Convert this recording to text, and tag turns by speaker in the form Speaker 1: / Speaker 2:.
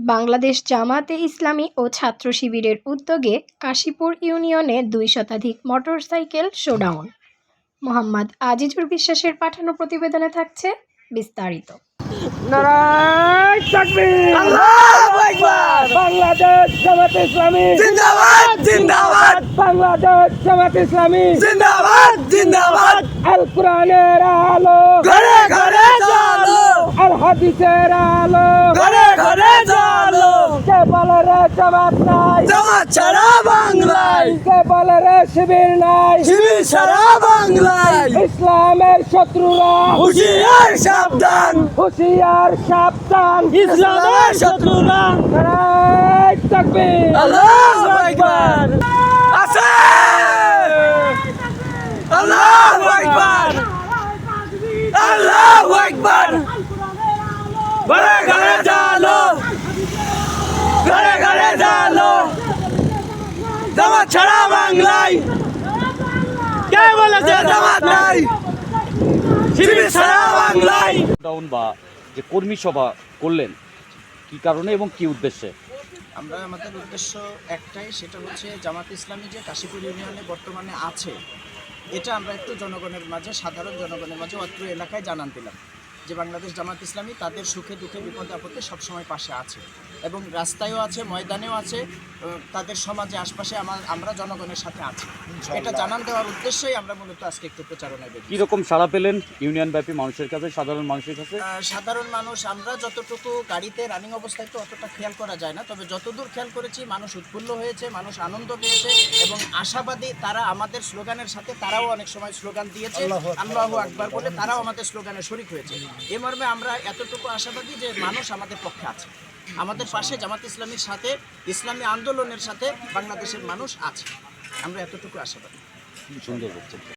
Speaker 1: বাংলাদেশ জামায়াতে ইসলামী ও ছাত্র শিবিরের উদ্যোগে কাশীপুর ইউনিয়নে ২ শতাধিক মোটরসাইকেল শোডাউন। মোহাম্মদ আজিজুর বিশ্বাসের পাঠানো প্রতিবেদনে থাকছে বিস্তারিত।
Speaker 2: নারায়ে তাকবীর, আল্লাহু আকবার। বাংলাদেশ জামায়াতে ইসলামী জিন্দাবাদ জিন্দাবাদ, বাংলাদেশ জামায়াতে ইসলামী জিন্দাবাদ জিন্দাবাদ। আল কোরআনের আলো ঘরে ঘরে জ্বালো, আল হাদিসের আলো ঘরে ঘরে জ্বালো। কে বলে রে জামাত নাই, জামাত ছাড়া বাংলায়। কে বলে রে শিবির নাই, শিবির ছাড়া বাংলায়। ইসলামের শত্রুরা হুঁশিয়ার সাবধান, হুঁশিয়ার সাবধান। ইসলামের শত্রুরা নারায়ে তাকবীর, আল্লাহু আকবার। আছে আল্লাহু আকবার, আল্লাহু আকবার। ঘরে ঘরে জ্বালো, ঘরে ঘরে জ্বালো। জামাত ছাড়া বাংলায়। কে বলেছে জামাত নাই, শিবির ছাড়া বাংলায়।
Speaker 3: ডাউন বা যে কর্মী সভা করলেন কি কারণে এবং কি উদ্দেশ্যে?
Speaker 4: আমাদের উদ্দেশ্য একটাই, সেটা হচ্ছে জামাত ইসলামী যে কাশীপুর ইউনিয়নে বর্তমানে আছে, এটা আমরা একটু জনগণের মাঝে, সাধারণ জনগণের মাঝে অত্র এলাকায় জানান দিলাম যে বাংলাদেশ জামাত ইসলামী তাদের সুখে দুঃখে বিপদে আপদে সবসময় পাশে আছে এবং রাস্তায়ও আছে, ময়দানেও আছে, তাদের সমাজে আশপাশে আমরা জনগণের সাথে আছি। এটা জানান দেওয়ার উদ্দেশ্যেই আমরা মূলত আজকে একটু প্রচারণায় বেরিয়েছি।
Speaker 3: কীরকম সাড়া পেলেন ইউনিয়নব্যাপী মানুষের কাছে, সাধারণ মানুষের কাছে?
Speaker 4: সাধারণ মানুষ, আমরা যতটুকু গাড়িতে রানিং অবস্থায় তো অতটা খেয়াল করা যায় না, তবে যতদূর খেয়াল করেছি মানুষ উৎফুল্ল হয়েছে, মানুষ আনন্দ পেয়েছে এবং আশাবাদী। তারা আমাদের স্লোগানের সাথে তারাও অনেক সময় স্লোগান দিয়েছে, আল্লাহু আকবার বলে তারাও আমাদের স্লোগানে শরিক হয়েছে। এ মর্মে আমরা এতটুকু আশাবাদী যে মানুষ আমাদের পক্ষে আছে, আমাদের পাশে জামাত ইসলামীর সাথে, ইসলামী আন্দোলনের সাথে বাংলাদেশের মানুষ আছে। আমরা এতটুকু আশাবাদী।
Speaker 3: সুন্দর হচ্ছে।